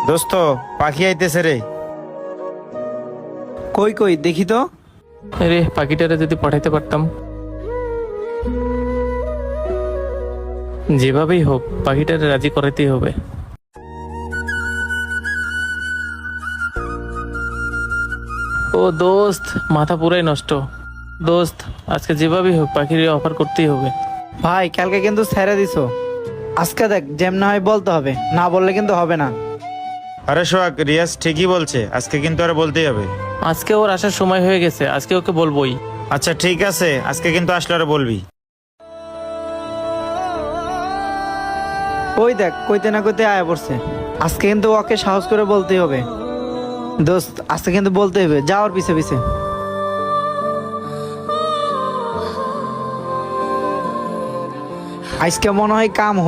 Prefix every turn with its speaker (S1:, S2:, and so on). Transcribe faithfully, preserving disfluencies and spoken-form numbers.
S1: দোস্ত পাখি আইতেছে রে।
S2: কই কই দেখি তো।
S3: আরে পাখিটারে যদি পাঠাইতে পারতাম। যেভাবেই হোক পাখিটারে রাজি করাতেই হবে। ও দোস্ত, মাথা পুরাই নষ্ট। দোস্ত আজকে যেভাবেই হোক পাখির অফার করতেই হবে।
S2: ভাই কালকে কিন্তু ছেড়ে দিছো, আজকে দেখ যেমন হয় বলতে হবে, না বললে কিন্তু হবে না।
S1: আরে সোহাগ, রিয়াজ ঠিকই বলছে, আজকে কিন্তু আর বলতেই হবে।
S3: আজকে ওর আসার সময় হয়ে গেছে, আজকে ওকে বলবোই।
S1: আচ্ছা ঠিক আছে, আজকে কিন্তু আসলে আর বলবি।
S2: ওই দেখ কইতে না কইতে আয়া পড়ছে। আজকে কিন্তু ওকে সাহস করে বলতেই হবে। দোস্ত আজকে কিন্তু বলতে হবে, যাওয়ার পিছে পিছে। আজকে মনে হয় কাম